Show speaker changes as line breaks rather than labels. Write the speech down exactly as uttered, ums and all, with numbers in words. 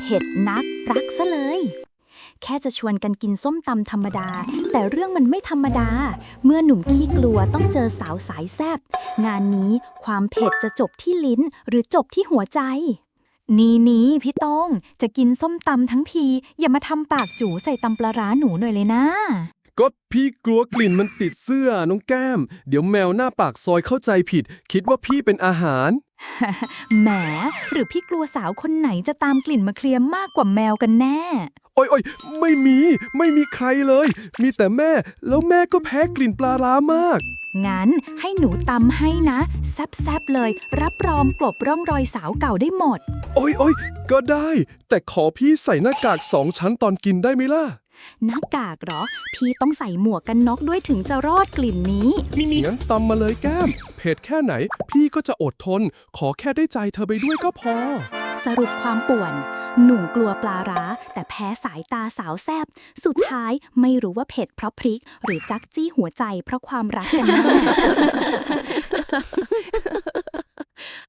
เผ็ดนักรักซะเลย แค่จะชวนกันกินส้มตำธรรมดา แต่เรื่องมันไม่ธรรมดา เมื่อหนุ่มขี้กลัวต้องเจอสาวสายแซ่บงานนี้ความเผ็ดจะจบที่ลิ้นหรือจบที่หัวใจ นี่นี่พี่ต้งจะกินส้มตำทั้งทีอย่ามาทำปากจู๋ใส่ตำปลาร้าหนูหน่อยเลยนะ
ก็พี่กลัวกลิ่นมันติดเสื้อน้องแก้ม เดี๋ยวแมวหน้าปากซอยเข้าใจผิด คิดว่าพี่เป็นอาหาร
แหมหรือพี่กลัวสาวคนไหนจะตามกลิ่นมาเคลียร์มากกว่าแมวกันแน่
โอ้ยโอ้ยไม่มี ไม่มีใครเลย มีแต่แม่ แล้วแม่ก็แพ้กลิ่นปลาร้ามาก
งั้นให้หนูตำให้นะแซบๆเลย รับรองกลบร่องรอยสาวเก่าได้หมด
โอ้ยโอ้ยก็ได้ แต่ขอพี่ใส่หน้ากากสองชั้นตอนกินได้ไหมล่ะ
หน้ากากเหรอ พี่ต้องใส่หมวกกันน็อกด้วยถึงจะรอดกลิ่นนี้
งั้นตำมาเลยแก้ม เผ็ดแค่ไหน พี่ก็จะอดทน ขอแค่ได้ใจเธอไปด้วยก็พอ
สรุปความป่วน หนุ่มกลัวปลาร้า แต่แพ้สายตาสาวแซบสุดท้ายไม่รู้ว่าเผ็ดเพราะพริก หรือจักจี้หัวใจเพราะความรักกันแน่